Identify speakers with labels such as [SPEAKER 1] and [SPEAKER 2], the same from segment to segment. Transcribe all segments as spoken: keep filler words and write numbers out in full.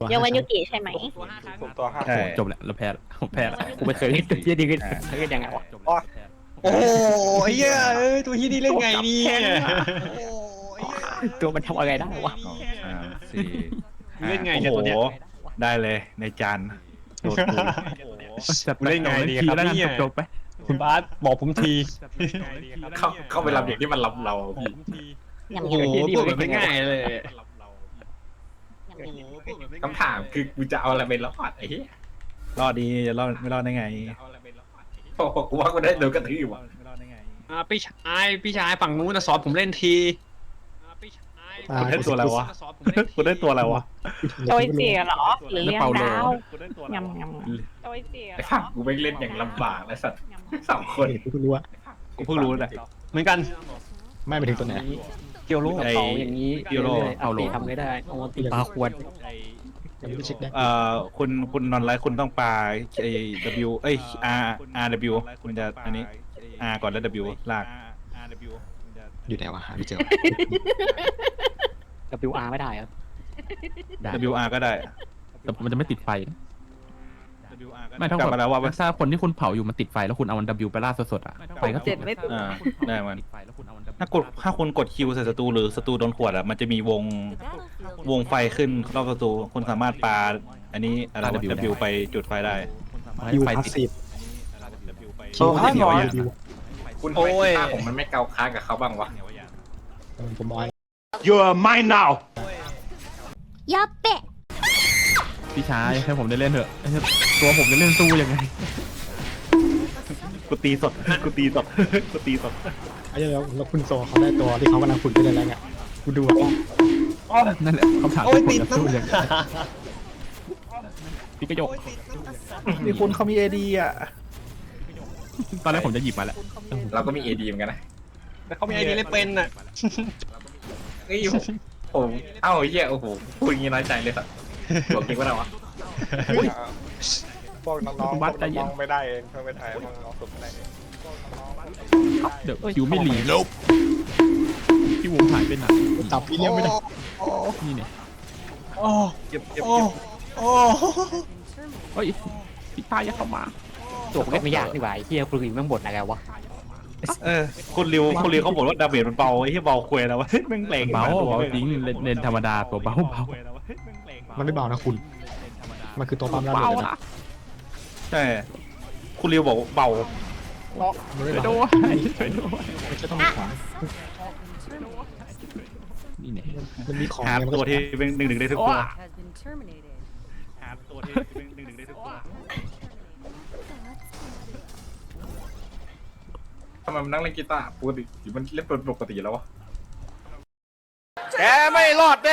[SPEAKER 1] ยาวันยุกิใช่ไหม
[SPEAKER 2] ผมตัวห้า
[SPEAKER 3] ใช่
[SPEAKER 2] คน
[SPEAKER 4] จบแล้วเราแพ้แล้วผมแพ้แล้วกูไม่เคยเล่นตัวเหี้ยดีขึ้นเคยเล่นยังไงวะ
[SPEAKER 5] โอ้ยเอ้ยตัวที่นี่เล่นไงเนี่ย
[SPEAKER 4] ตัวมันทำอะไรได้วะ
[SPEAKER 3] สองสามสี่
[SPEAKER 5] เล่นไง
[SPEAKER 3] โอ้
[SPEAKER 5] เนี่ย
[SPEAKER 3] โห
[SPEAKER 5] ตัวเนี้ย
[SPEAKER 3] ได้เลยในจานโดดกู
[SPEAKER 4] จัดป
[SPEAKER 5] เล่นไงดีครับ
[SPEAKER 4] แล้วกัน
[SPEAKER 5] เนี่ย
[SPEAKER 4] จบๆไป
[SPEAKER 5] คุณบาสบอกผมที
[SPEAKER 2] เข้าเข้าไปรับเด็กที่มันรับเราพี่
[SPEAKER 1] ยำ
[SPEAKER 5] โอ้
[SPEAKER 1] ยำ
[SPEAKER 5] โหพูดแบบไม่ง่ายเลย
[SPEAKER 2] คำถามคือกูจะเอาอะไรไปรอดไอ้เหี้ย
[SPEAKER 3] รอดดีจะรอดไม่รอดได้ไง
[SPEAKER 2] โอ้โหกูว่ากูได้โดนกระทืบว่ะ
[SPEAKER 3] ไม่รอดได้ไง
[SPEAKER 5] อ่าพี่ชายพี่ชายฝั่งนู้นนะสอนผมเล่นทีอ่าพี่ชาย
[SPEAKER 3] กูได้ตัวอะไรวะ
[SPEAKER 5] สอนผมเล่นที
[SPEAKER 3] กูได้ตัวอะไรวะ
[SPEAKER 1] โดยเสียเหรอหรือเรียงดาว
[SPEAKER 3] กูได้ตัวอะไร
[SPEAKER 1] ยำยำโดยเสีย
[SPEAKER 2] ไอ้ฝั่งกูไม่เล่นอย่างลำบากนะสัตว์สองคน
[SPEAKER 6] กูเพิ่งรู้ว่า
[SPEAKER 3] กูเพิ่งรู้แหละ
[SPEAKER 5] เหมือนกัน
[SPEAKER 6] ไม่ไปถึงตัวไหน
[SPEAKER 5] เกียวโล
[SPEAKER 3] ไอ้
[SPEAKER 4] เป่าอย่างนี้
[SPEAKER 3] ยูโร
[SPEAKER 4] เอาเลยทำไม่ได้เอาตีปลาควร
[SPEAKER 6] ยังไม่ได้เช็คได้
[SPEAKER 3] เอ่อคุณคุณนอนไลท์คุณต้องปาไอ้ W เอ้ย R R W มันจะอันนี้ R ก่อนแล้ว W ลาก
[SPEAKER 6] อยู่ไหนวะหาไม่เจอ
[SPEAKER 4] ดับเบิลอาร์ไม่ได้ครับ
[SPEAKER 3] W R ก็ได้
[SPEAKER 4] แต่มันจะไม่ติดไฟ
[SPEAKER 3] W R ก็
[SPEAKER 4] ไม่ถ้าก
[SPEAKER 3] ลับมาแล้วว่า
[SPEAKER 4] ถ้าคนที่คุณเผาอยู่มันติดไฟแล้วคุณเอามัน W ไปล่าสดๆอ่ะไฟก็
[SPEAKER 1] เจ็ดไม่ติด
[SPEAKER 3] อ่าได้มัน
[SPEAKER 4] ติดไฟแล้วคุณเอามัน
[SPEAKER 3] ถ้ากดถ้าคุณกดคิวใส่ศัตรูหรือศัตรูโดนขวดอ่ะมันจะมีวงวงไฟขึ้นรอบศัตรูคุณสามารถปาอันนี้อะไรวะ W ไปจุดไฟได้
[SPEAKER 6] ยู
[SPEAKER 4] ไฟ
[SPEAKER 6] พาส
[SPEAKER 4] ติด
[SPEAKER 6] ซีฟ
[SPEAKER 3] W ไป
[SPEAKER 6] คิวพาสซีฟยู
[SPEAKER 2] คุณทำไมกีตาร์ผมมันไม่เกาค้างกับเขาบ้างวะ
[SPEAKER 6] ผมบอก
[SPEAKER 3] You're mine now
[SPEAKER 1] ยาเปะ
[SPEAKER 4] พี่ชายให้ผมได้เล่นเถอะตัวผมจะเล่นสู้ยังไง
[SPEAKER 3] กูตีสดกูตีสดกูตีสด
[SPEAKER 6] ไอ้เรื่องแล้วคุณโซเขาได้ตัวที่เขากำลังฝึกได้แล้วไงกูดูว่า
[SPEAKER 4] นั่นแหละคำถามที่ผมจะสู้ยังไงพี่กระยก
[SPEAKER 3] มีคุณเขามีเอดีอ่ะ
[SPEAKER 4] ตอนแรกผมจะหยิบมาแล้ว
[SPEAKER 2] เราก็มีเอดีเหมือนกันนะ
[SPEAKER 5] แต่เขามีไอเดียเล่นเป็นอ่ะ
[SPEAKER 2] เฮ้ยผมเอ้าเหี้ยโอ้โหพูดอย่างงี้น้อยใจเลยสัตว์บอกจริงว่าเราวะ
[SPEAKER 7] พวกน้องๆพวกน้องๆไม่ได้เองเพื่อนไม่ได้พวกน้องๆฝึกไม่ได้เอง
[SPEAKER 4] เดี๋ยวคิวไม่หลีคิววงหายไปไหน
[SPEAKER 6] จับพี่เลี้ยงไม่ได้
[SPEAKER 4] นี่เนี่ย
[SPEAKER 5] โอ้
[SPEAKER 3] เก็บเก็บ
[SPEAKER 5] โอ้
[SPEAKER 3] เก็บ
[SPEAKER 5] โอ้
[SPEAKER 4] เฮ้ยพี่ตายอย่าเข้ามาจบไม่ยากดีกว่าไอ้เฮียคุณอีกไม่หมดอะไรวะ
[SPEAKER 3] เออคุณริวคุณริวเขาบอกว่าดาเมจมันเบาไอ้ที่เบาควยแล้ววะแม่งแรง
[SPEAKER 4] เบาเบาจริงเล่นเล่นธรรมดาตัวเบาเบา
[SPEAKER 6] มันไม่เบานะคุณมันคือตัวปั๊มแล้ว
[SPEAKER 4] เบา
[SPEAKER 6] เลย
[SPEAKER 4] ละ
[SPEAKER 6] นะ
[SPEAKER 3] ใช่คุณริวบอกเบา
[SPEAKER 6] มันไม่
[SPEAKER 4] ช่วย
[SPEAKER 6] เบา
[SPEAKER 4] ด้วยช่วยด้วย
[SPEAKER 6] ไม่ใช่ต้องมีของ
[SPEAKER 4] นี่เนี่ย
[SPEAKER 6] มันมีของ
[SPEAKER 3] หา
[SPEAKER 6] ไงมัน
[SPEAKER 3] ตั
[SPEAKER 6] ก็
[SPEAKER 3] วที่เป็นหนึ่งหนึ่งได้ทุกตัว
[SPEAKER 8] has been terminated.
[SPEAKER 3] หาตัวที่เป็นหนึ่งหนึ่งได้ทุกตัว
[SPEAKER 2] ทำไมมันนั่งเล่นกีตาร์ปกติหรือมันเล่นเป็นปกติแล้ววะ
[SPEAKER 5] แกไม่รอดแน่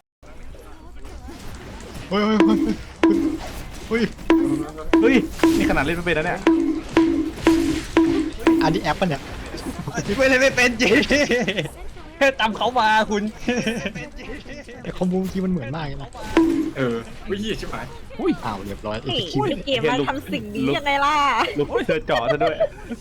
[SPEAKER 6] เฮ้ยเฮ้ยเฮ้ยเฮ้ย
[SPEAKER 3] เฮ้ยนี่ขนาดเล่นไม่เป็นแล้วเนี่ย
[SPEAKER 6] อันนี้แอปป่ะเนี่ย
[SPEAKER 5] ไม่เลยไม่เป็นจริงแค่ตามเขามาคุณ
[SPEAKER 6] แต่คอมบูที่มันเหมือนมากเลยนะ
[SPEAKER 2] เออวิ่งชิบหาย
[SPEAKER 4] อุ้ย
[SPEAKER 6] อ้าวเรียบร้อย
[SPEAKER 1] นี่
[SPEAKER 6] คิว
[SPEAKER 1] ในเกมมาทำสิ่งนี้ยังไงล่ะ
[SPEAKER 3] ลูกเธอเจาะซะด้วย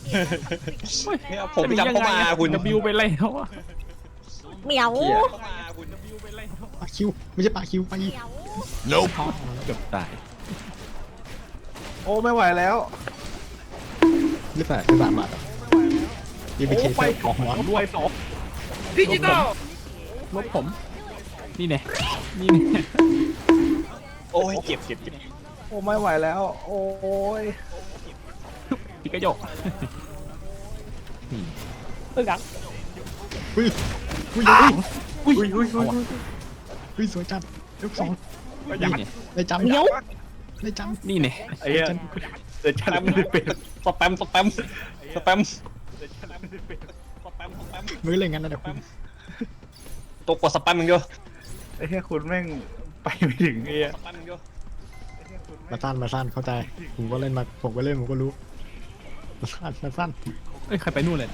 [SPEAKER 5] ผมจำเขามาคุณ
[SPEAKER 4] จะบิวไปแล้วอะ
[SPEAKER 1] เหมียว
[SPEAKER 6] ปาคิวไม่ใช่ปาคิวไป
[SPEAKER 4] เกือบตาย
[SPEAKER 3] โอ้ไม่ไหวแล้ว
[SPEAKER 6] หรือเปล่าหรือเปล่าบาทยี่ไปเคสของหัว
[SPEAKER 3] ด้วยสอง
[SPEAKER 5] ดิจิตอล
[SPEAKER 4] ลบผม นี่เนี่ยนี่เนี่ย
[SPEAKER 5] โอ้ยเจ็บเจ็บเจ็บ
[SPEAKER 3] โอ้ไม่ไหวแล้ว โอ้ย
[SPEAKER 4] พี่กระยกนี่เออกัง
[SPEAKER 6] เฮ้ยเฮ้ย
[SPEAKER 3] อุ้ยอุ้ยอุ้ยอุ้ย
[SPEAKER 6] เฮ้ยสวยจัดยกสอง
[SPEAKER 4] นี่เนี่ย
[SPEAKER 6] ได้จำ
[SPEAKER 1] เหมียว
[SPEAKER 6] ได้จ
[SPEAKER 4] นี่เนี่ย
[SPEAKER 3] ไอ้เหี้ยเดี๋ยวฉันไม่ได้เป็น
[SPEAKER 5] สแปมสแปมสแปมสแปมสแปม
[SPEAKER 6] ำมือเลยงั้นนะเดี๋ยวคุณ
[SPEAKER 5] ตัวกดสแปมอย่างเดียว
[SPEAKER 3] ไอ้เหี้ยคุณแม่งไปไม่ถึงไอ้เหี้ย
[SPEAKER 5] สแปมอย่างเดียว
[SPEAKER 6] มาสั้นมาสั้นเข้าใจผมก็เล่นมาผมก็เล่นผมก็รู้มาสั้นมาสั้น
[SPEAKER 4] เอ้ยใครไปนู่นเลย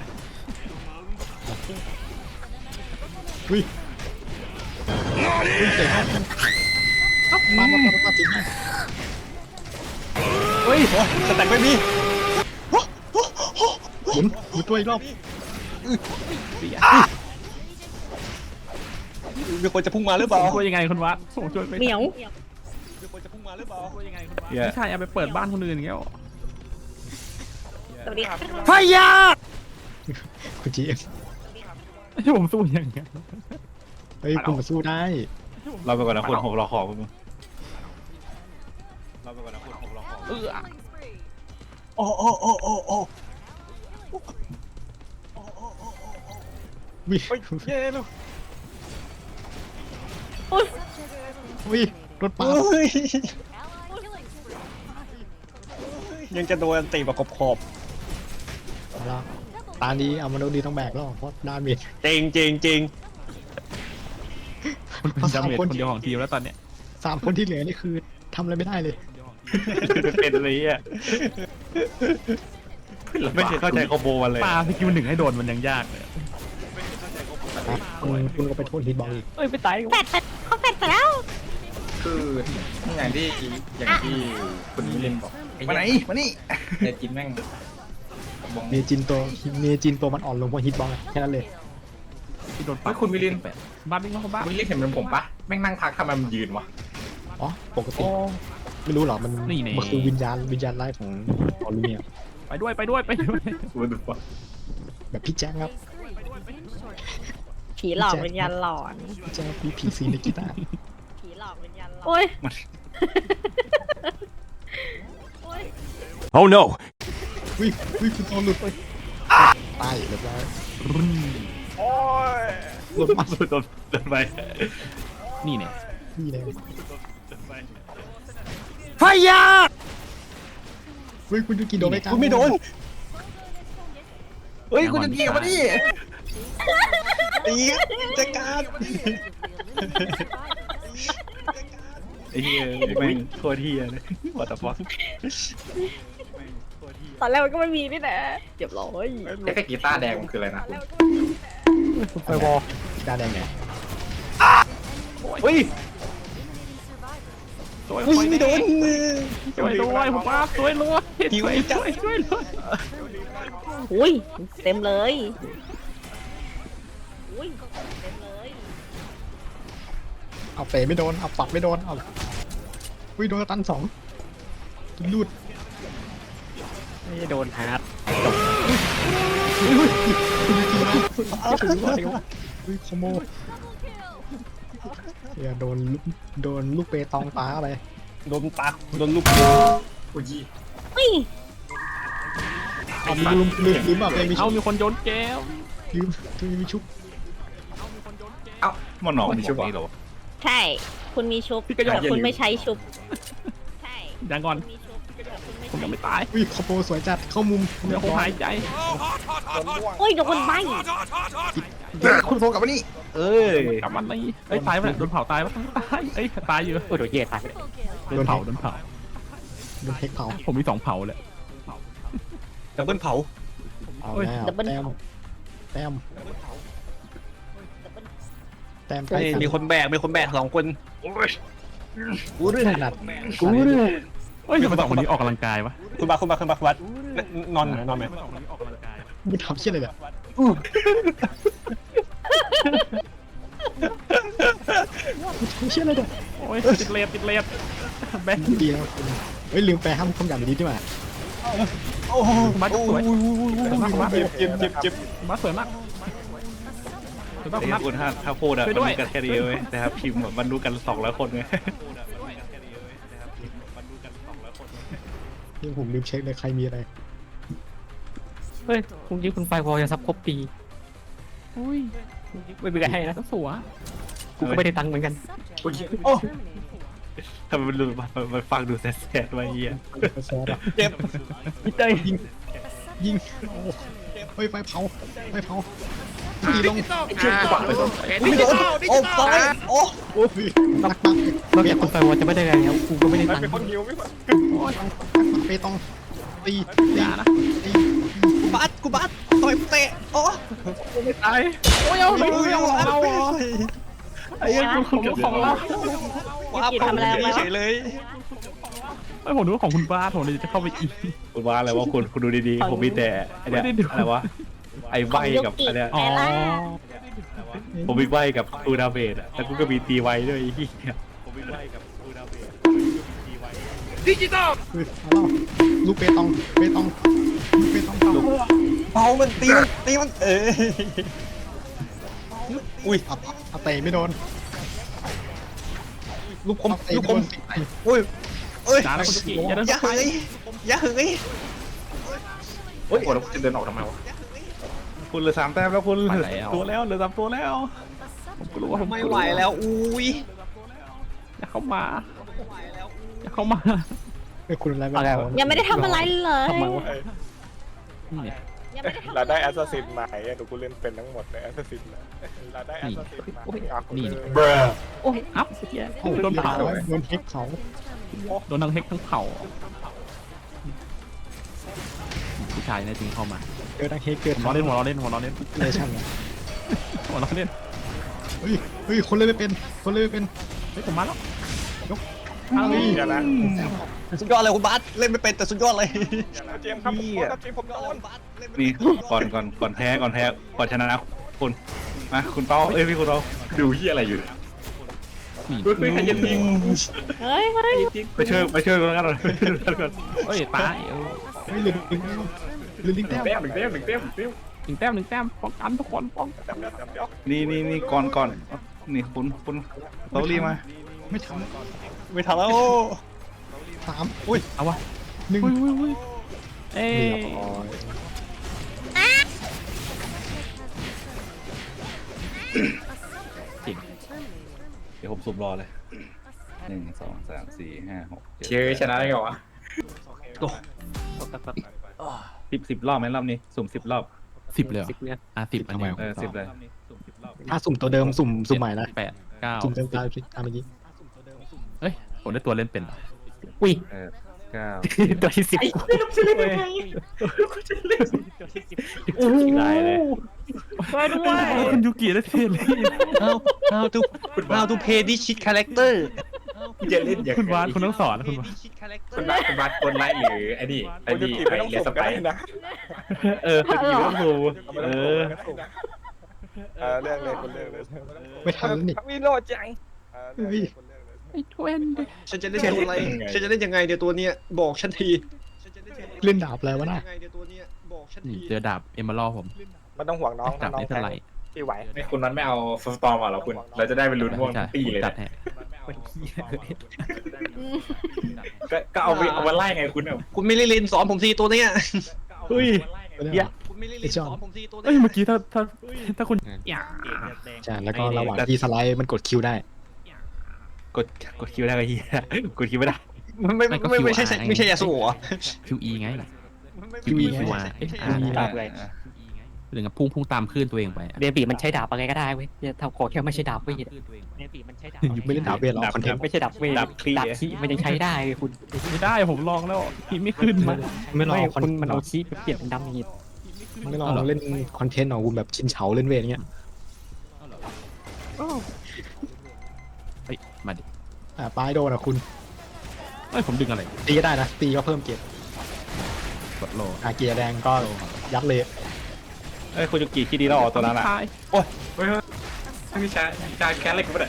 [SPEAKER 6] อุ้ยอุ้ยเตะเข้ามามามามาติดให้
[SPEAKER 5] เฮ้ยสแต็กไม่มี
[SPEAKER 6] หมุนหมุนตัวอีกรอบ
[SPEAKER 5] มีคนจะพุ่งมาหรือเปล่า
[SPEAKER 4] ผมช่วยยังไงคุณวัดผมช่วยไม่
[SPEAKER 1] เหมียว
[SPEAKER 5] มีคนจะพุ่งมาหรือเปล่ายังไงคุณวะ
[SPEAKER 3] เหี้ย
[SPEAKER 4] ไม่ใช่เอาไปเปิดบ้านคนอื่นอย่างเงี้ย
[SPEAKER 1] สวัสดีค่ะ
[SPEAKER 4] พยา
[SPEAKER 6] คุณจีเอ็ม
[SPEAKER 4] ให้ผมสู้ยังไง
[SPEAKER 6] เฮ้ยคุณมาสู้ได้
[SPEAKER 3] เราไปก่อนนะคุณผมรอของมึงเราไปก่อนนะคุณผมรอของ
[SPEAKER 4] เออ
[SPEAKER 5] โอ้โอ้โอ้โอ้โอ้
[SPEAKER 6] วิ
[SPEAKER 5] เฮ้ยเย้ลูก
[SPEAKER 6] วิรถปั๊ม
[SPEAKER 5] เฮ้ยยังจะโดนตีแบบขอบ
[SPEAKER 6] เอาละตานี้เอามาโดนดีต้องแบกแล้วเพราะดาเมจ
[SPEAKER 5] ๆจริงจริงจริง
[SPEAKER 4] คุณเป็นดาเมจคนเดียวของทีมแล้วตอนเนี้ย
[SPEAKER 6] สามคนที่เหลือนี่คือทำอะไรไม่ได้เลย
[SPEAKER 3] เป็นอะไรอ่ะไม่เคยเข้าใจคอมโบมันเลย
[SPEAKER 4] ปาสกิลหนึ่งให้โดนมันยังยากเลย
[SPEAKER 6] คุณคุณก็ไปโทษฮิตบอลอีก
[SPEAKER 4] เอ้ยไปตาย
[SPEAKER 1] แปดแปดเขาแปดไปแล้ว
[SPEAKER 2] คืออย่างที่อย่างที่คุณมิลินบอกอ้
[SPEAKER 3] มาไหน
[SPEAKER 2] เหี้ย
[SPEAKER 3] มานี่
[SPEAKER 2] เนจินแม่งบอง
[SPEAKER 6] เมจินตัวเมจินตัวมันอ่อนลงเพราะฮิตบอลแค่นั้นเลย
[SPEAKER 4] ที่โดน
[SPEAKER 2] เฮ้
[SPEAKER 4] ปั
[SPEAKER 2] ยคุณมิลิน
[SPEAKER 4] บ้านวิ่งเข้าบ้าน
[SPEAKER 2] คุณมิลินเห็นเป็นผมปะแม่งนั่งทักทำไมมันยืนวะ
[SPEAKER 6] อ๋อปกติไม่รู้หรอมันมันคือวิญญาณวิญญาณไล่ของออลูเมีย
[SPEAKER 4] ไปด้วยไปด้วยไปด้วย
[SPEAKER 2] คุณดูปะ
[SPEAKER 6] แบบพี่แจ๊คครับ
[SPEAKER 1] ผีหลอกวิญญาณหลอน
[SPEAKER 6] พี่แจ๊คมีพีซีในกีตาร์
[SPEAKER 1] ผีหลอกวิญญาณหลอนโอ้ยโอ้ย
[SPEAKER 8] Oh no!
[SPEAKER 6] วิวิคุณตอนหลุดไปตายเรียบร้อย
[SPEAKER 5] โอ้ย
[SPEAKER 6] หลุดมา
[SPEAKER 3] โดนโดนไป
[SPEAKER 4] นี่เนี่ย
[SPEAKER 6] นี่เลย
[SPEAKER 4] พยา
[SPEAKER 6] วิคุณยูกิโดนไม่กล้า
[SPEAKER 5] คุณไม่โดนเฮ้ยคุณจะตีมาดิตีจัดการ
[SPEAKER 3] ไอ้เหี้ยแม่งโคตรเหี้ยเลยวัตถุฟอส
[SPEAKER 1] ตอนแรกมันก็ไม่มีนี่แหละเจ็บร้อย
[SPEAKER 2] ไอ้แค่กีตาร์แดงมันคืออะไรนะคุณ
[SPEAKER 6] ไปวอลกีตาร์แดงไง
[SPEAKER 3] เฮ้ย
[SPEAKER 4] สวย
[SPEAKER 5] อุ้ยไม่โดน
[SPEAKER 4] ช่วยด้วยผมว่าช่วยด้วยช่วยช่วยช่วยเลย
[SPEAKER 1] อุ้ยเต็มเลยอุ้ยเต็มเลย
[SPEAKER 6] เอาเตะไม่โดนเอาปักไม่โดนเอาวิโดนตันสองลูด
[SPEAKER 4] ไม่โดนฮาร์ด
[SPEAKER 6] วิคอมโมเดี๋ยวโดนโดนลูกเปตองตาเข้าไป
[SPEAKER 5] โดนตาโดนลูก
[SPEAKER 2] อุ้ย
[SPEAKER 1] อุ้ย
[SPEAKER 6] เอาลืมลืมลืมอ่ะเลยมี
[SPEAKER 4] เอา
[SPEAKER 6] ชุบ
[SPEAKER 4] มีคนโยนแก้ว
[SPEAKER 6] ลืมลืมมีชุบ
[SPEAKER 2] เอ้า
[SPEAKER 3] มันหนอก
[SPEAKER 2] ไม่
[SPEAKER 3] ไม่
[SPEAKER 2] ชุ
[SPEAKER 3] ชุ
[SPEAKER 2] บบ เหรอ
[SPEAKER 3] นี่หรอ
[SPEAKER 1] ใช่คุณมีชุบ
[SPEAKER 4] พี่กระย
[SPEAKER 1] แต่คุณไม่ใช้ชุบใช่
[SPEAKER 4] ยังก่อน
[SPEAKER 1] คุณมีชุบแต่คุณไม่
[SPEAKER 4] ผม
[SPEAKER 1] ใช้
[SPEAKER 4] ยังไม่ตาย
[SPEAKER 6] วิคอมโบสวยจัดเข้ามุม
[SPEAKER 4] เดี๋ยวผมหายใจ
[SPEAKER 1] โอ้ยโดนใบ
[SPEAKER 3] คุณโฟกับนี่เอ้ย
[SPEAKER 4] กลับมันเลยเอ้ยตายไปโดนเผาตายปะตายเอ้ยตายอยู่โอ้โดนเย่ตายโดนเผาโดนเผา
[SPEAKER 6] โดนเทคเผา
[SPEAKER 4] ผมมีสองเผาเลย
[SPEAKER 5] ดับเบิลเผา
[SPEAKER 6] เอาแล้วแต้มแต้มแต้มใกล้กัน
[SPEAKER 5] มีคนแบกมีคนแบกสองคน
[SPEAKER 6] กูเรื่องขนาด
[SPEAKER 4] กูเลยเฮ้ยทำไมสองคนนี้ออกกำลังกายวะ
[SPEAKER 5] คุณบาคุณบาคุณบาคุณบานอนไหมนอนไหม
[SPEAKER 4] สองคนนี้ออกกำลังกาย
[SPEAKER 6] มึงทำเชี่ยอะไรเนี่ยมึงทำเชี่ยอะไรเนี่ย
[SPEAKER 4] โอ้ยติดเลดติดเลดแบงค์
[SPEAKER 6] ดีแล้วเฮ้ยลืมแปลห้ามคำหยาบดีดีกว่า
[SPEAKER 5] โอ้โห
[SPEAKER 4] มาสวยมา
[SPEAKER 5] เจ็บเจ็บเจ็บเจ็บ
[SPEAKER 4] มาสวยมากสวยมาก
[SPEAKER 3] ไอ้
[SPEAKER 4] มา
[SPEAKER 3] คุณถ้าถ้าพูดอะ
[SPEAKER 4] ช่วย
[SPEAKER 3] มัน
[SPEAKER 4] ด้วย
[SPEAKER 3] รู้กันแค่นี้เว้ยแต่ครับพิมพ์อะมันรู้กันสองร้อยคนไง
[SPEAKER 6] นี่ผมลืมเช็คเลยใครมีอะไร
[SPEAKER 4] เฮ้ยคุณยิงคุณไฟวอลจะซับครบปีอุ้ยไม่เป็นไรให้นะสัวกูก็ไม่ได้ตังค์เหมือนกัน
[SPEAKER 2] อุ้ย
[SPEAKER 5] โอ้
[SPEAKER 3] ทำไมมันดูมันมันฟังดูแสบๆมาเหี้ย
[SPEAKER 6] แซ่บอ่ะ
[SPEAKER 5] เจ็บ
[SPEAKER 4] พี่เต้ย
[SPEAKER 6] ยิงยิงโอ้เฮ้ยไฟเผาไฟเผาตีลง
[SPEAKER 5] ไม่โดนโอ้ตายโอ้
[SPEAKER 6] โอ้ยนักปัก
[SPEAKER 4] เราอยากคุณไฟวอลจะไม่ได้ไงครับกูก็ไม่ได้ตังค์
[SPEAKER 5] เป็นคนหิวไม่ไหว
[SPEAKER 6] เปตองตีตี
[SPEAKER 4] อย่านะ
[SPEAKER 6] ตี
[SPEAKER 5] กูบาสกูบาสต่อยเตะโอ้
[SPEAKER 4] ไม่ตายโอ้ยเอาเอาเอา
[SPEAKER 3] ไอ้เหี้ยคุณเกือบ
[SPEAKER 4] ของเรา
[SPEAKER 5] ว้าเฉยเลย
[SPEAKER 4] ไอ้ผมดูว่าของคุณบ้าผมเลยจะเข้าไปอีก
[SPEAKER 3] คุณว่าอะไรวะคุณคุณดูดีๆผมมีแต่ไอ้เนี่ย
[SPEAKER 4] ไม่ได้ดู
[SPEAKER 3] อะไรวะไอ้ใบกับอันเนี้ย
[SPEAKER 1] แต่ละ
[SPEAKER 3] ผมมีใบกับตูดาเบดอะแล้วกูก็มีตีไว้ด้วยไอ้เหี้ยผมมีใบกับตูดาเบด
[SPEAKER 6] ดิจิตอลลูกเปตองเปตองลูกเปตองเต่า
[SPEAKER 5] เบามันตีมันตีมันเอ้ยอุ้ย
[SPEAKER 6] อับอับเตะไม่โดน
[SPEAKER 5] ลูกคม
[SPEAKER 6] เตะ
[SPEAKER 5] ลูก
[SPEAKER 6] ไม่
[SPEAKER 5] ค
[SPEAKER 6] โด
[SPEAKER 5] ม
[SPEAKER 6] น
[SPEAKER 5] อุ้ยเอ้ย
[SPEAKER 4] จ้าแล้วคุณกิอย่าเดิน
[SPEAKER 5] อย่า
[SPEAKER 4] เข้าไป
[SPEAKER 5] หึงอย่าหึง
[SPEAKER 2] โอ้ยโอ้แล้วจะเดินออกทำไมวะ
[SPEAKER 3] คุณเหลือสามแต้มแล้วคุณ
[SPEAKER 4] ไปแล้ว
[SPEAKER 3] ตัวแล้วเหลือสามตัวแล้ว
[SPEAKER 4] ผมกลัวผม
[SPEAKER 5] ไม่ไหวแล้วอุ้ย
[SPEAKER 4] อย่าเข้ามาอย่าเข้ามา
[SPEAKER 6] ไอ้คุณอะไรไม่
[SPEAKER 4] อะไร
[SPEAKER 6] เอา
[SPEAKER 4] วะ
[SPEAKER 1] ยังไม่ได้ทำอะไรเลย
[SPEAKER 4] ทำไมวะนี่เนี่ย
[SPEAKER 1] ยังไม่ได้ทำ
[SPEAKER 7] เรา
[SPEAKER 1] อะไร
[SPEAKER 7] ได้แอสซัสซินใหม่อะดูกูเล่นเป็นทั้งหมดเลยแอสซัสซินเราได้แอสซัสซินใหม่อ่ะกู
[SPEAKER 4] นี่
[SPEAKER 7] เลย
[SPEAKER 4] โอ้ยอัพเฮีย
[SPEAKER 6] โอ้โห
[SPEAKER 4] โดนเผา
[SPEAKER 6] โดนเฮกเขา
[SPEAKER 4] โดนทั้งเฮกทั้งเผาผู้ชายเนี่ยจริงเข้ามา
[SPEAKER 6] เจอดังเฮกเกิด
[SPEAKER 4] หัวเราะเล่นหัวเราะเล่นหัวเราะเล่น
[SPEAKER 6] เลชั่นเลย
[SPEAKER 4] หัวเราะเล่น
[SPEAKER 6] เฮ้ยเฮ้ยคนเล่นไม่เป็นคนเล่นไม่เป็น
[SPEAKER 4] เฮ้ยผมมาแล้ว
[SPEAKER 6] เฮ้ย
[SPEAKER 7] เดี๋ยวนะ
[SPEAKER 5] สุดยอดเลยคุณบาสเล่นไม่เป็นแต่สุดยอดเลย
[SPEAKER 7] เจมส์ครับผมขอครับเจมส์ผมโดน
[SPEAKER 3] นี่ก่อนก่อนก่อนแพ้ก่อนแพ้ก่อนชนะนะคุณมาคุณเป้าเอ้ยพี่คุณเป้า
[SPEAKER 2] ดูเหี้ยอะไรอยู่
[SPEAKER 4] นี่
[SPEAKER 2] เฮ้ยเฮ้ยใครจะยิง
[SPEAKER 1] เฮ้ยเฮ้ย
[SPEAKER 3] ไปช่วยไปช่วยกันก่อนไปช่วยกันก่อน
[SPEAKER 4] เฮ้ยตายเออ
[SPEAKER 6] เฮ้ยเหลือหนึ่งเหลือหนึ่ง
[SPEAKER 2] หนึ่
[SPEAKER 6] แต้
[SPEAKER 2] ง
[SPEAKER 6] ม
[SPEAKER 2] แต้มหนึ่งแต้มหนึ่งแต้มหนึ่งแต้ม
[SPEAKER 4] หนึ่งแต้มหนึ่งแต้มป้องกันทุกคนป้องกัน
[SPEAKER 7] จำเดี๋ยวจำเดี๋ยว
[SPEAKER 3] นี่นี่นี่ก่อนก่อนนี่คุณคุณเตารีมา
[SPEAKER 6] ไม่ท
[SPEAKER 5] ไม่ทันแล้ว
[SPEAKER 6] ำสามอุ้ย
[SPEAKER 4] เอาวะ
[SPEAKER 6] หนึ่ง
[SPEAKER 4] อุ้ยอุ้ยอุ้ยเอ้ย
[SPEAKER 6] เรียบร้อย
[SPEAKER 4] จริง
[SPEAKER 3] เดี๋ยวผมสุ่มรอเลยหนึ่งสองสามสี่ห้าหก
[SPEAKER 2] เชื่อชนะได้ไงวะ
[SPEAKER 3] สิบสิบรอบไหมรอบนี้สุ่มสิบรอบ
[SPEAKER 4] สิบเลยเหรออ่ะสิบอันนี้
[SPEAKER 3] เออสิบเลย
[SPEAKER 6] ถ้าสุ่มตัวเดิมสุ่มสุ่มใหม่นะ
[SPEAKER 4] แปดเก้า
[SPEAKER 6] สุ่มเดิมตามตามเมื่อกี้
[SPEAKER 4] เฮ้ยผมได้ตัวเล่นเป็นเหรออุ้ย
[SPEAKER 3] เออเก้า
[SPEAKER 4] ตัวที่สิบ
[SPEAKER 3] ได้เลย
[SPEAKER 1] ช่วยด้วย
[SPEAKER 4] คุณยูกิได้เท่เลย
[SPEAKER 5] how how to how to play this shit character
[SPEAKER 2] จะเล่นอย่าง
[SPEAKER 4] คุณวานคุณต้องสอนนะคุณวาน
[SPEAKER 2] คุณบาสคุณบาสคนไลท์หรือไอ้นี่ไอ้
[SPEAKER 7] กูจะ
[SPEAKER 2] นี่
[SPEAKER 7] กิน
[SPEAKER 2] ไอ้
[SPEAKER 7] ไม่ต้อง
[SPEAKER 2] เลส
[SPEAKER 7] สุ่ม
[SPEAKER 2] ไป
[SPEAKER 7] ก็ได้นะ
[SPEAKER 3] เออเป็นกี่ต้องดูเออ
[SPEAKER 7] เออเรื่องเลยคุณเรื่องเลย
[SPEAKER 6] ไม่ทันแล้วนี่
[SPEAKER 7] วิโรจน์จังเออเรื่องเลยคุณเรื่องเลย
[SPEAKER 4] ไอ้ทเวนดิ
[SPEAKER 5] ฉันจะเล่นตัวอะไรฉันจะเล่นยังไงเดี๋ยวตัวเนี้ยบอกฉันที
[SPEAKER 6] เล่นดาบอะไรวะน่ะ
[SPEAKER 5] ยังไงเดี๋ยวตัวเนี้ยบอกฉัน
[SPEAKER 4] นี่
[SPEAKER 5] ที
[SPEAKER 4] เจอดาบเอมเบอร์ผม
[SPEAKER 7] ไม่ต้องห่วงน้อง
[SPEAKER 4] ดาบ
[SPEAKER 7] น้อง
[SPEAKER 4] นี้เท่าไหร่
[SPEAKER 7] ที่ไหว
[SPEAKER 2] ไม่คุณนั้นไม่เอาสตอร์มอ่ะหรอคุณเราจะได้เป็นลุ้นม่วงปีเลย
[SPEAKER 4] จัดให้
[SPEAKER 2] ก็ก็เอาไปเอามาไล่ไงคุณอ่ะ
[SPEAKER 5] คุณไม่ได้เล่นสอนผมทีตัวเนี้ย
[SPEAKER 3] เฮ้ย
[SPEAKER 6] เดี๋ยว
[SPEAKER 5] คุณไม่ได้เล่นสอนผมทีตัวเนี้
[SPEAKER 4] เอ้ยเมื่อกี้ถ้าถ้าถ้าคุณอย่า
[SPEAKER 6] ใช่แล้วก็ระหว่างที่สไลด์มันกดคิวได้
[SPEAKER 3] กดกดคิวได้ก็เฮียกดคิวไม่ได้
[SPEAKER 5] ไม่ไม่ไม่ไม่ใช่ไม่ใช่ยาสูบเหรอ
[SPEAKER 4] คิวอีไง
[SPEAKER 6] คิ
[SPEAKER 4] คิว
[SPEAKER 6] ว
[SPEAKER 4] อี
[SPEAKER 6] ไง
[SPEAKER 4] คิวอาร์เอ้ยอ่า
[SPEAKER 3] ได้
[SPEAKER 4] ได้หรือกับพุ่งพุ่งตามคลื่นตัวเองไป
[SPEAKER 8] เดบีมันใช้ดาบอะไรก็ได้เว้ยอย่าทำโกรธแค่ไม่ใช่ดาบเวทเดบีมันใช้ดาบ
[SPEAKER 6] อยู่ไม่เล่นดาบเวทหรอกคอนเทนต์
[SPEAKER 8] ไม่ใช่ดาบเวท
[SPEAKER 3] ดาบคลี่
[SPEAKER 8] ดาบคีมันยังใช้ได้เลยคุณ
[SPEAKER 4] ไม่ได้ผมลองแล้วพี่ไม่ขึ้นมา
[SPEAKER 6] ไม่ลอง
[SPEAKER 8] ไม่
[SPEAKER 6] คอน
[SPEAKER 8] คุณมันเอาคีไปเปลี่ยนเป็นดาเมจ
[SPEAKER 6] ไม่ลองเล่นคอนเทนต์ของคุณแบบชินเฉาเล่นเวทอย่างเงี้ย
[SPEAKER 4] เฮ้ยมาดิ
[SPEAKER 6] อ่าปลายโดนอ่ะคุณ
[SPEAKER 4] เฮ้ยผมดึงอะไร
[SPEAKER 6] ตีก็ได้นะตีก็เพิ่มเกียร์
[SPEAKER 4] กดโล
[SPEAKER 6] อาเกียร์แดงก็ยัดเลย
[SPEAKER 3] เอ้ยคุณยูกิคิดดีแล้วออกตัวนั้นอ่ะ
[SPEAKER 4] ตาย
[SPEAKER 2] เฮ้ยเฮ้ยพี่ชายชายแค้นอะไรกูไม่ได้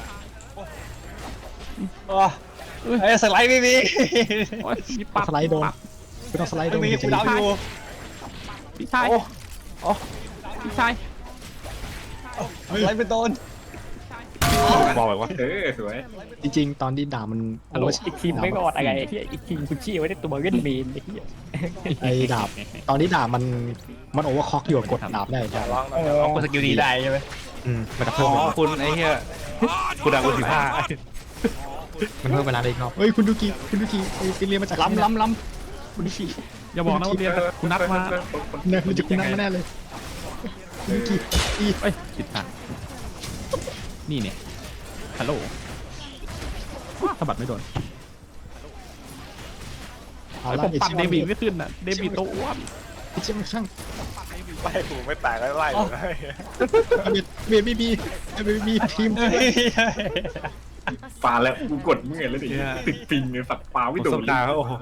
[SPEAKER 5] ไอ้สไลด์ไม่มี
[SPEAKER 4] โอ้ยมีปัก
[SPEAKER 6] สไลด์โดนไม่ต้องสไลด์โด
[SPEAKER 5] ไม่
[SPEAKER 6] น
[SPEAKER 5] มี
[SPEAKER 6] จะ
[SPEAKER 5] กู
[SPEAKER 6] ดี
[SPEAKER 5] ดาวอยู่
[SPEAKER 4] พี่ชายพี่ชาย
[SPEAKER 5] สไลด์เป็นโดน
[SPEAKER 3] บอกแบบว่า
[SPEAKER 2] เออสวย
[SPEAKER 6] จริงๆตอนที่ด่ามัน
[SPEAKER 8] ฮัลโหลอีกทีมไม่รอดอะไรที่อีกทีมคุณชี้ไว้ในตัวเล่นเมนไอ้เหี้ย
[SPEAKER 6] ไอ้ดาบตอนนี้ดาบมันมันโอเวอร์คล็อกอยู่กดดาบได้จ้ะ
[SPEAKER 7] ลองนะ
[SPEAKER 5] เอาสกิลนี้ได้ใช่ไหม
[SPEAKER 6] อืมมันจะ
[SPEAKER 3] อ๋
[SPEAKER 6] เพิ่ม
[SPEAKER 3] อคุณไอ้เหี้ยคุณดังคุณสิบห้า
[SPEAKER 6] มันเพิ่มเวลาได้อีกรอบเฮ้ยคุณดูกีคุณดูกีไปเรียนมาจาก
[SPEAKER 5] ล้ำล้ำล้
[SPEAKER 6] คุณดูกี
[SPEAKER 4] อย่าบอกนะว่าเรียนคุณนัดมา
[SPEAKER 6] เนี่ยมันจะคุณนั่งมาแน่เลยคุณดูกีอี
[SPEAKER 4] เอ้ยผิดทางนี่เนี่ยฮัลโหลสะบัดไม่โดน
[SPEAKER 6] เอา
[SPEAKER 4] ไอ้
[SPEAKER 6] ละ
[SPEAKER 4] ผม
[SPEAKER 6] ไอ้
[SPEAKER 4] ปัด
[SPEAKER 6] ชิ
[SPEAKER 4] เด
[SPEAKER 6] ม
[SPEAKER 4] บิ
[SPEAKER 6] อน
[SPEAKER 4] ไม่ขึ้นอ่ะเดบิตัวอ้วน
[SPEAKER 6] ไอ้ชิมอนช่าง
[SPEAKER 7] ไล่กูไม่ตายไล่ไล่เลย
[SPEAKER 6] เบียดเบียดบีบีเบียดบีทีม
[SPEAKER 2] ปลาแล้วกูกดมึงไงแล้วดิติดปิงเลยฝักปลาไม่โด
[SPEAKER 3] ส
[SPEAKER 2] น
[SPEAKER 3] ตาร์เขาโอ้โห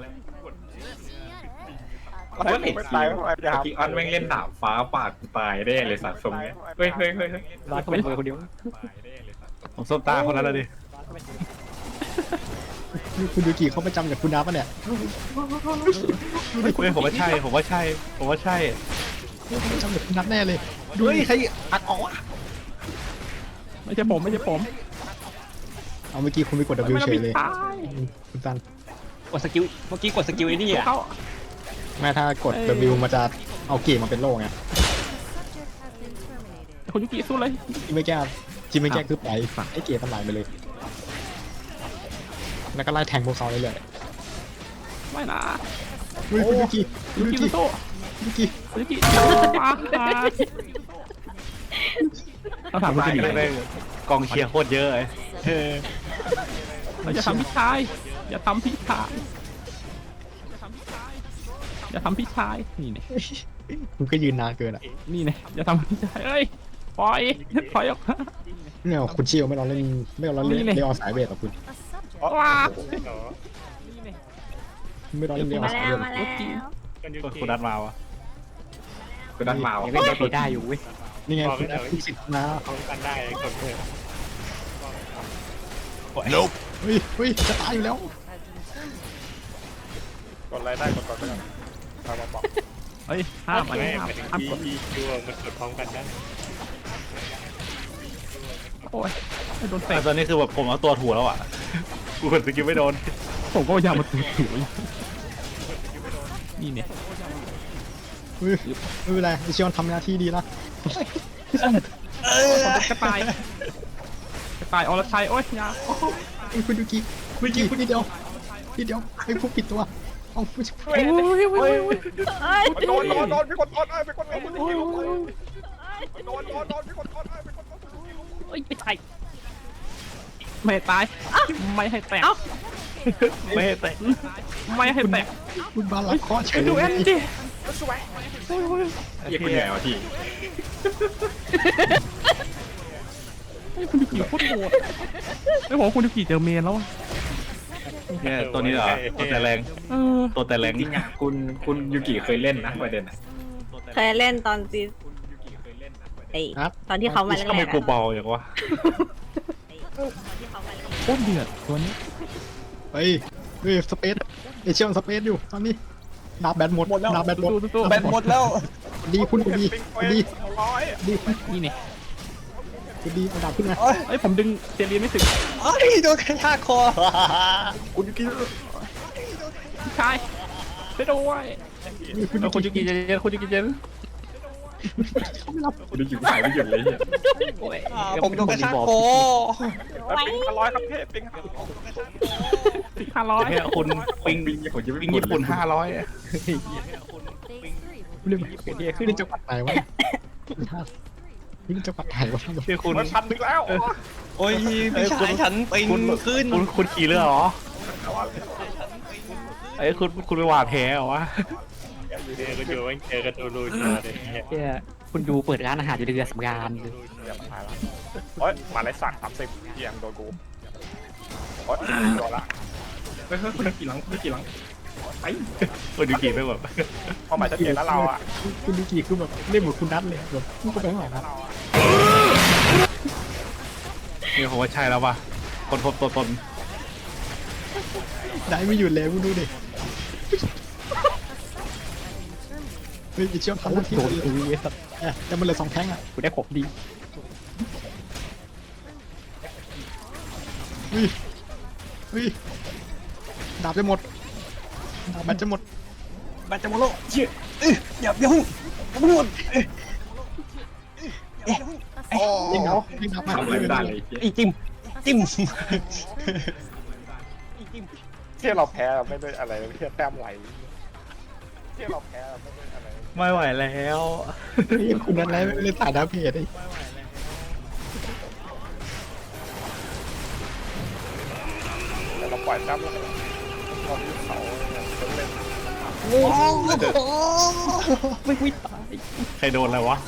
[SPEAKER 7] ไล่กูไม่ตายไม่ตายอย่า
[SPEAKER 2] กีออนแม่งเล่นดาบฟ้าปาดกูตายได้เลยสัตว์ทรงเนี้ยเฮ้ยเฮ้ยเฮ้ยเฮ้ย
[SPEAKER 8] ร้อยเข้าไปคนเดียว
[SPEAKER 3] ผมส้มตาคนนั้นแล้วดิ
[SPEAKER 6] คุณยูกิเขาประจำจากคุณน้าปะเนี่ย
[SPEAKER 3] เฮ้ยผมว่าใช่ผมว่าใช่ผมว่าใช่
[SPEAKER 6] เขาประจำจากคุณนัทแน่เลย
[SPEAKER 3] เฮ้ยใครอัดออกวะ
[SPEAKER 4] ไม่ใช่ผมไม่ใช่ผม
[SPEAKER 6] เอาเมื่อกี้คุณไปกด W เฉยเลย
[SPEAKER 4] ตาย
[SPEAKER 6] คุณซัน
[SPEAKER 8] กดสกิลเมื่อกี้กดสกิลไอ้นี่อ่ะ
[SPEAKER 4] เขา
[SPEAKER 6] แม่ถ้ากด W มันจะเอาเกมมาเป็นโล่ไง
[SPEAKER 4] คุณยุกิสู้เลย
[SPEAKER 6] ที่ไม่แก้ที่ไม่แก้คือไปฝั่งไอ้เกมมันไหลไปเลย แล้วก็ไล่แทงพวกเขาเรื่อย
[SPEAKER 4] ไม่นะ
[SPEAKER 6] ๆเฮ้ยคุณยูกิคุ
[SPEAKER 4] ยุ
[SPEAKER 6] ณยู
[SPEAKER 4] กิ
[SPEAKER 6] กิ
[SPEAKER 4] โต้
[SPEAKER 6] ยูกิ
[SPEAKER 4] คุณยุกิปาเราถามคุณ
[SPEAKER 3] ตาย
[SPEAKER 4] กิ
[SPEAKER 3] กัน
[SPEAKER 4] เล
[SPEAKER 3] ได้
[SPEAKER 4] ย
[SPEAKER 3] กองเชียร์โคตรเยอะเลย
[SPEAKER 4] เราจะทำพี่ชายอย่าทำพี่ชายอย่าทำพี่ชายนี่เนี่ย
[SPEAKER 6] คุณก็ยืนนานเกินอ่ะ
[SPEAKER 4] นี่เนี่ยอย่าทำพี่ชายเอ้ยปล่อยปล่อยออกมา
[SPEAKER 6] เนี่ยคุณเชียวไม่รอเล่นไม่รอเล่น
[SPEAKER 4] นี่ไง
[SPEAKER 6] เรียอสายเวทหรอกคุณ
[SPEAKER 4] ว้า
[SPEAKER 6] ไม่รอเล่นเรียอ
[SPEAKER 1] มา
[SPEAKER 6] สาย
[SPEAKER 1] แล้
[SPEAKER 6] เว
[SPEAKER 1] ว
[SPEAKER 6] ท
[SPEAKER 1] มาแล้ว
[SPEAKER 3] คุณนัดมาวะ
[SPEAKER 2] คุณนัทมาวะ
[SPEAKER 8] ยังเล่นได้ได้อยู่เว้ย
[SPEAKER 6] นี่ไงคุณคุณสิทธิ์นะ
[SPEAKER 7] เขากันได้กดเลย
[SPEAKER 6] เฮ้ยเฮ้ยจะตายอยู่แล้ว
[SPEAKER 7] กดอะไรได้กดกดไปก่อนมาบอกบอก
[SPEAKER 4] เฮ้ยห้ามอัน
[SPEAKER 7] ไม่
[SPEAKER 4] นี้ห้าม
[SPEAKER 7] หมายถึง
[SPEAKER 4] ห้าม
[SPEAKER 7] ที่
[SPEAKER 4] กด
[SPEAKER 7] ที่ดูมันกดพร้อมกันได้
[SPEAKER 4] โอ้ยไม่โดนเตะ
[SPEAKER 3] แต่ตอนนี้คือแบบผมเอาตัวถูแล้วอ่ะกูกดสกิลไม่โดน
[SPEAKER 4] ผมก็พยายามมาถือถือนี่เนี่ย
[SPEAKER 6] เฮ้ยไม่เป็นไรไอเชียวทำหน้าที่ดีละ
[SPEAKER 4] กระต่ายกระต่ายอรชัยโอ้ยยา
[SPEAKER 6] เฮ้ยคุณยูกิคุณยูกินิดเดียวนิดเดียวไอ้พวกปิดตัวเอาผู้ชาย
[SPEAKER 4] โอ้ยโอ้ยโอ้ย
[SPEAKER 1] เอ้ย
[SPEAKER 7] โดนโดนโดนพี่กดโดนไอ้พี่กดโดนโดนโดนโดนพี่กดโดนไอ้พี่กดโดน
[SPEAKER 4] โอ้ยไม่ตายไม่ให้ตายไม่ให้แตก
[SPEAKER 3] ไม่ให้เตะ
[SPEAKER 4] ไม่ให้แตก
[SPEAKER 6] คุณบาลักข้อเฉย
[SPEAKER 4] ดู
[SPEAKER 6] เล
[SPEAKER 4] เอ็
[SPEAKER 6] ย
[SPEAKER 4] นจี
[SPEAKER 2] เฮียคุณเหนื่อยวะพี่
[SPEAKER 4] คุณยูกิโคตรโหดไม่บอกคุณยูกิเจอเมนแล้ว
[SPEAKER 3] เนี่ยตัวนี้เหรอตัวแต่แรง
[SPEAKER 4] เออ
[SPEAKER 3] ตัวแต่แรง
[SPEAKER 2] จริงอ่ะคุณคุณยูกิเคยเล่นนะประเด็นอ่ะ
[SPEAKER 1] เคยเล่นตอนซีไอตอนที่เขามาแรก
[SPEAKER 3] ทำไม
[SPEAKER 1] ๆ
[SPEAKER 3] กู
[SPEAKER 1] อะ
[SPEAKER 3] เบาอย่างวะ
[SPEAKER 1] ที่เขามาแรก
[SPEAKER 4] โคตรเดือดตัวนี้
[SPEAKER 6] เฮ้ยเฮ้ยสเปซไอเชียวสเปซอยู่ตอนนี้ดาบแบตหมดดาบแบตหมด
[SPEAKER 8] แบตหมดแล้ว
[SPEAKER 6] ดีคุณคุณดีคุณดี
[SPEAKER 7] ร้อย
[SPEAKER 6] ดีคุณ
[SPEAKER 4] นี่เนี่ย
[SPEAKER 6] คุณดีเอาดาบขึ้นมา
[SPEAKER 4] เอ้ยผมดึงเจเลียนไม่ถึง
[SPEAKER 8] เอ้ยโดนกระชากคอ
[SPEAKER 6] คุณยูกิ
[SPEAKER 4] พี่ชายไปด้วย
[SPEAKER 6] คุณ
[SPEAKER 3] แล้วคุณยูกิเจเจคุณยูกิเจน
[SPEAKER 2] คุณยูกิหายไม่หยุดเลยเฮีย
[SPEAKER 4] โอ้ย
[SPEAKER 8] อ่าผมโดนกระชากคอ
[SPEAKER 7] แล้วปิงห้าร้อยครับพี่ปิงห้าร้อย
[SPEAKER 4] สี่ห้าร้อย
[SPEAKER 3] เนี่ยคุณปิง
[SPEAKER 2] ปิงผมจะไม่
[SPEAKER 3] ปิงญี่ปุ่นห้าร้อย
[SPEAKER 6] เรื่องเปลี่ยนที่ขึ้นจังหวัดไหนวะขึ้นจังหวัดไหนวะ
[SPEAKER 3] ที่คุณ
[SPEAKER 7] มันพันหนึ่งแล้ว
[SPEAKER 8] โอ้ยพี่ชายฉันปิง
[SPEAKER 3] คุณ
[SPEAKER 8] ขึ้น
[SPEAKER 3] คุณคุณขี่เรือเหรอไอ้ยคุณคุณไปหวาดแหเหรอวะ
[SPEAKER 7] อยู่ดีก็อยู่มันเจอกันตัวลุยเลย
[SPEAKER 8] เนี่ยคุณดูเปิดร้านอาหารอยู่ในเรือสำราญเลย
[SPEAKER 7] โอ๊ยมาเลยสั่งสามสิบเกียงโดนกูโอ๊ยโดนละ
[SPEAKER 2] เฮ้ยเฮ้ยคุณยูกิหลังคุณยูกิหลังไป
[SPEAKER 3] คุณยูกิไม่แบบ
[SPEAKER 7] พอหมายชัดเจนแล้วเราอ่ะ
[SPEAKER 6] คุณยูกิคือแบบเล่นเหมือนคุณนัทเลยแบบพูดไปข้างหลังนะ
[SPEAKER 3] นี่ผมว่าใช่แล้วป่ะคนพบตัวตน
[SPEAKER 6] ได้ไม่หยุดเลยคุณดูดิเฮ้ยไอเชียวทำหน้าที่
[SPEAKER 8] โด
[SPEAKER 6] โด
[SPEAKER 8] น
[SPEAKER 6] น
[SPEAKER 8] ตุยไอ้สัตว์
[SPEAKER 6] แต่มันเหลือสองแข้งอ่ะ
[SPEAKER 8] กูได้ของดี
[SPEAKER 6] เฮ้ยเฮ้ยดาบจะหมดดาบแบตจะหมด
[SPEAKER 8] แบตจะหมดแล้วเชี่ยเอ้ยอย่าอย่าเพิ่งอย่าเพิ่งหมดเอ้ยเอ๊ะ
[SPEAKER 6] ยิงดาบยิงดาบมา
[SPEAKER 2] ทำอะไรไม่ได้เลยเฮีย
[SPEAKER 8] อีจิ้มจิ้ม
[SPEAKER 7] เที่ยเราแพ้เราไม่ได้อะไรเที่ยแต้มไหลเที่ยเราแพ้เราไม่ได้อะไร
[SPEAKER 3] ไม่ไหวแล้ว
[SPEAKER 6] เฮ้ยคุณนัทแล้วไม่เล่นสายดาบเพจไอ้
[SPEAKER 7] แต่เราปล่อยแต้มแล้วตอนที่เขาเล่น
[SPEAKER 8] ไม่ไม่ตาย
[SPEAKER 3] ใครโดนอะไรวะ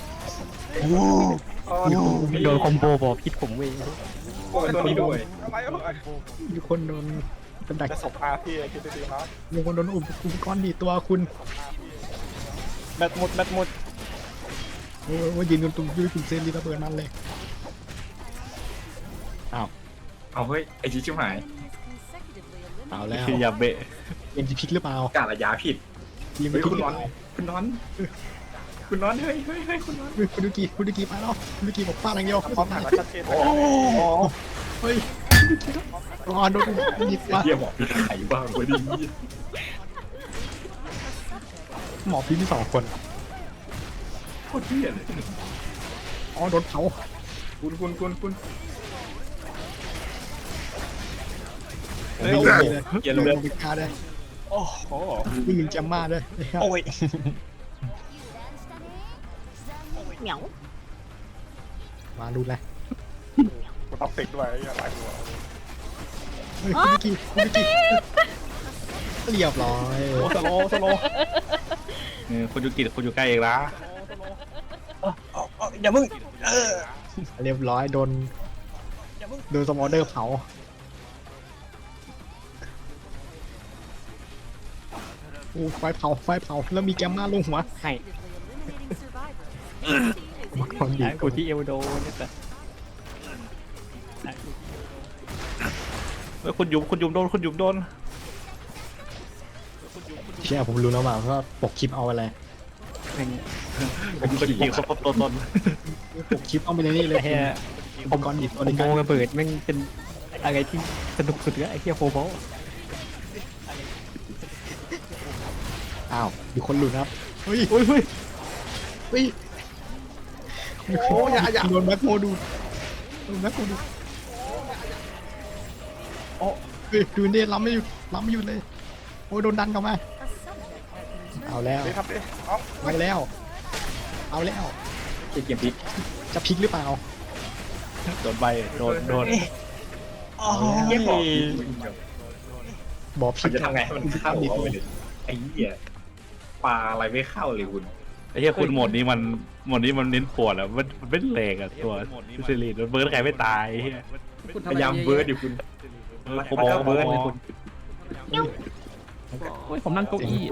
[SPEAKER 8] โดนคอมโบบอกพิษผมเว้ย
[SPEAKER 2] โอ้ยตัวนี้ด้วย
[SPEAKER 7] อะไรเอ่ย
[SPEAKER 6] มีคนโดนเป็นดัก
[SPEAKER 7] จะสบอาพี่คิดดีๆครับ
[SPEAKER 6] มีคนโดนอุปอุปกรณ์ดีดตัวคุณ
[SPEAKER 8] แบตหมดแบตหมด
[SPEAKER 6] โอ้ว่ายืนกันตรงยืนคุณเซนรีระเบิดมันเลย
[SPEAKER 2] เอาเฮ้ยไอชิชิบหาย
[SPEAKER 6] เอาแล้ว
[SPEAKER 3] ที่ยาเบะ
[SPEAKER 6] เกมจะพลิกหรือเปล่าก
[SPEAKER 2] าระยาผิด
[SPEAKER 6] ทีม
[SPEAKER 2] เฮ้
[SPEAKER 6] จะ
[SPEAKER 2] ย
[SPEAKER 6] พลิก
[SPEAKER 2] คุณ
[SPEAKER 6] หรือ
[SPEAKER 2] นอน
[SPEAKER 6] เปล่า
[SPEAKER 2] คุณนอน คุณนอนเฮ้ยเฮ้ยเฮ้ยคุณนอน
[SPEAKER 6] เฮ้ยคุณดูกีคุณดูกีมาแล้วคุณดูกีบอกฟาดอย่างเดียว
[SPEAKER 7] พร้อมถ่ายมาชัดเจน
[SPEAKER 6] โอ้เฮ้ยรอโดนหยิบมา
[SPEAKER 2] เฮียบอกมีไข่บ้างเว้ยดิ
[SPEAKER 6] หมอพี่มีสองคน
[SPEAKER 2] โคตรเฮียเลย
[SPEAKER 6] อ๋อโดนเผา
[SPEAKER 2] คุณคุณคุณคุณ
[SPEAKER 6] เฮ้ยโอ้โห
[SPEAKER 2] เกียร์
[SPEAKER 6] ล
[SPEAKER 2] เลือด
[SPEAKER 6] งไปฆ่าได้
[SPEAKER 8] โอ้โห
[SPEAKER 6] วิ่งหนึ่งแจมมาด้วย
[SPEAKER 8] โอ้ย
[SPEAKER 1] เหมียว
[SPEAKER 6] มาดูเลย
[SPEAKER 7] กูต้องติดด้วยไอ้หลายตัว
[SPEAKER 6] เฮ้ยคุณดูกีคุณดูกีเรียบร้อย
[SPEAKER 8] โอ้สโลว์สโลว์
[SPEAKER 3] เออคุณยูกิคุณอยู่ใกล้เองละ
[SPEAKER 8] เอาเอาเอาอย่ามึงเออ
[SPEAKER 6] เรียบร้อยโดนโดนสมอเดอร์เผาโอ้ไฟเผาไฟเผาแล้วมีแกมมาลงหัว
[SPEAKER 4] ให้
[SPEAKER 6] มาคนดี
[SPEAKER 4] หากูที่เอลโดเนี่ยแต่
[SPEAKER 3] เฮ้ยคุณยุมคุณยุมโดนคุณยุมโดน
[SPEAKER 6] เชื่อผมรู้แล้วว่าว่าปกคลิปเอาอะไร
[SPEAKER 3] ผมคุณยิงเขาพบตัวตน
[SPEAKER 6] ปกคลิปเอาไปในนี่เลย
[SPEAKER 4] ไอ้เหี้ย
[SPEAKER 6] อุปกรณ์ดิบ
[SPEAKER 4] ค
[SPEAKER 6] ตัว
[SPEAKER 4] อ
[SPEAKER 6] ใน
[SPEAKER 4] มโบ
[SPEAKER 6] การ
[SPEAKER 4] ระเบิดแม่งเป็นอะไรที่สนุกสุดเลยไอ้เหี้ยโคโบ
[SPEAKER 6] อ้าวมีคนหลุดครับเฮ้ย
[SPEAKER 4] เฮ้ยเฮ้ย
[SPEAKER 6] เฮ้ยโอ้ยอย่าอย่าโดนแบ็คโมดูโดนแบ็คโมดูโอ้เฮ้ยดูนี่ล้ำไม่หยุดล้ำไม่หยุดเลยโอ้ยโดนดันกลับมาเอาแล้ว
[SPEAKER 7] นี่ครับดิเอา
[SPEAKER 6] เอาแล้ว เอาแล้ว
[SPEAKER 2] เกมพลิก
[SPEAKER 6] จะพลิกหรือเปล่า
[SPEAKER 3] โดนใบโดนโดน
[SPEAKER 8] โอ้
[SPEAKER 2] เฮียบอก
[SPEAKER 8] ย
[SPEAKER 6] บอกพลิ
[SPEAKER 2] มัน
[SPEAKER 6] ก
[SPEAKER 2] จะทำไงให้มันเข้าเอาไปเลยไอ้เหี้ยปลาอะไรไม่เข้าเลยคุณ
[SPEAKER 3] ไอ้เหี้ยคุณโหมดนี้มันโหมดนี้มันเน้นปวดอ่ะมันมันเป็นแหลกอ่ะตัวซิลีนมันเบิร์ดใครไม่ตายไอ้เหี้ย
[SPEAKER 2] พยายามเบิร์ดอยู่คุณ
[SPEAKER 3] เออผมบอกเบิร์ดเลยคุณ
[SPEAKER 4] โอ้ยผมนั่งเก้าอี้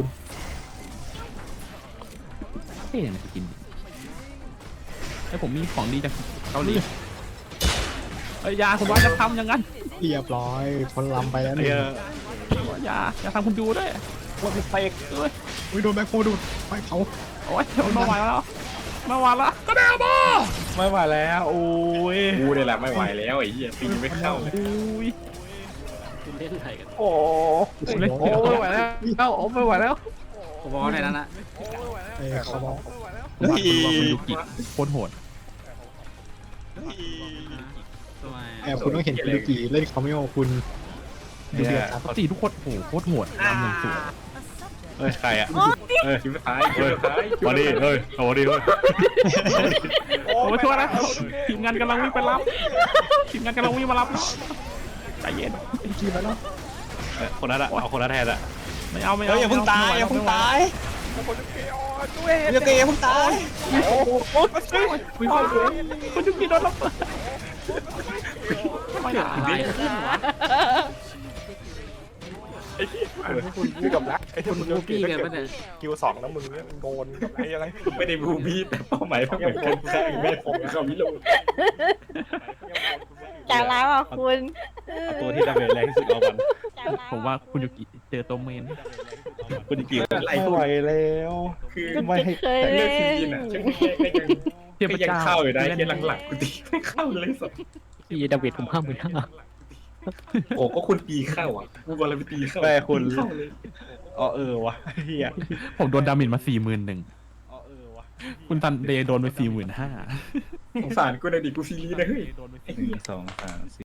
[SPEAKER 4] เฮ้ยจะกินไอ้ผมมีของดีจากเกาหลีเอ้ยยาคุณว่าจะทำอย่างนั้น
[SPEAKER 6] เรียบร้อยคนลำไปแล้วห
[SPEAKER 3] ไอ้
[SPEAKER 6] นึ่ง
[SPEAKER 3] เหี้ย
[SPEAKER 4] อย่าอย่าทำคุณดูด้วย
[SPEAKER 8] ว่ามีไฟ
[SPEAKER 4] เอ้ย
[SPEAKER 6] อุ้ยโดนแบ็คโมดูไฟเผา
[SPEAKER 4] โอ้ยไม่ไหวแล้วไม่ไหวแล้วก็ได้บ้า
[SPEAKER 3] ไม่ไหวแล้วโอ้ย
[SPEAKER 2] กูเนี่ยแหละไม่ไหวแล้วไอ้เหี้ยตีไม่เข้าเลย
[SPEAKER 4] อุ้ย
[SPEAKER 8] โอ้
[SPEAKER 4] ผมเล่นโอ้ไม่ไหวแล้วเอ้าโอ้ไม่ไหวแล้ว
[SPEAKER 9] ผมบอกในนั้นนะ
[SPEAKER 6] เอ้ยเขาบอก
[SPEAKER 4] คุณว่าคุณยูกิโคตรโหด
[SPEAKER 9] ทำไม
[SPEAKER 6] แอบคุณต้องเห็นคุณยูกิเล่นคอมเมโอคุณดูเดือดครับ
[SPEAKER 4] ปกติทุกคนโอ้โหโคตรโหดทำอย่างสวย
[SPEAKER 3] เฮ้ยใครอ่ะ
[SPEAKER 2] เฮ้ยคิวท้ายคิวท้าย
[SPEAKER 3] มาดิเฮ้ยเอามาดิเฮ้ย
[SPEAKER 4] โอ้มาช่วยนะทีมงานกำลังวิ่งไปรับทีมงานกำลังวิ่งมารับใจเย็น
[SPEAKER 6] กีมาแล้ว
[SPEAKER 3] เอ้ยคนนั้นอ่ะเอาคนนั้นแทนอ่ะ
[SPEAKER 4] ไม่เอาไม่
[SPEAKER 8] เฮ้
[SPEAKER 4] เอา
[SPEAKER 8] ยอย่าเพิ่งตายอย่าเพิ่งตายอย่าเกยอย่าเพิ่งตาย
[SPEAKER 4] โอ้โหโอ้ยคุณยูกิโดนรับไม่ได้
[SPEAKER 1] อะไรขึ้นวะ
[SPEAKER 7] คุณนี่กับรักไอ้ที่
[SPEAKER 9] คุณ
[SPEAKER 7] มึง
[SPEAKER 9] บูบี้กันปะเนี่ย
[SPEAKER 7] คิวสองแล้วมึงเนี่ยโดนกับไอ้อะไร
[SPEAKER 2] ไม่ได้บูบี้แต่เป้าหมายมันเหมือนกันแค่แม่ผมเขาไม่รู้
[SPEAKER 1] ใจร้ายว่ะคุณ
[SPEAKER 3] เอาตัวที่ดาเมจแรงที่สุดเอามัน
[SPEAKER 1] ใจร้าย
[SPEAKER 4] ผมว่าคุณยูกิเจอตัวเมน
[SPEAKER 3] คุณยูกิ
[SPEAKER 2] อะไร
[SPEAKER 3] ไม่
[SPEAKER 2] คุ
[SPEAKER 3] ไหว
[SPEAKER 2] ณ
[SPEAKER 3] แล้ว
[SPEAKER 2] คือ
[SPEAKER 3] ไม่ให้
[SPEAKER 1] เคย
[SPEAKER 2] เลื
[SPEAKER 1] เล่
[SPEAKER 2] อกที
[SPEAKER 1] น
[SPEAKER 2] นอ่ะช่างก็ยัง
[SPEAKER 4] เทียบ
[SPEAKER 2] ก็ยัง
[SPEAKER 4] เจ้า
[SPEAKER 2] เข้าอยู่ได้แค่หลังๆกูตีไม่เข้าเลยสัก
[SPEAKER 4] ที่ดาเวดผมห้ามเหมือนห้า
[SPEAKER 2] โอ้ก็คุณตีเข้าอ่ะกูบอลไปตีเข้า
[SPEAKER 3] แม่คุณ
[SPEAKER 2] เข้าเลย
[SPEAKER 3] อ๋อเออวะเฮีย
[SPEAKER 4] ผมโดนดาเมจมาสี่หมื่นหนึ่ง
[SPEAKER 3] อ๋อเออวะ
[SPEAKER 4] คุณตันเดย์โดนไปสี่หมื่นห้า
[SPEAKER 2] สงสารกูในอยดิกูซีรีส์นะเฮ้ย
[SPEAKER 3] หนึ่งสองสามสี่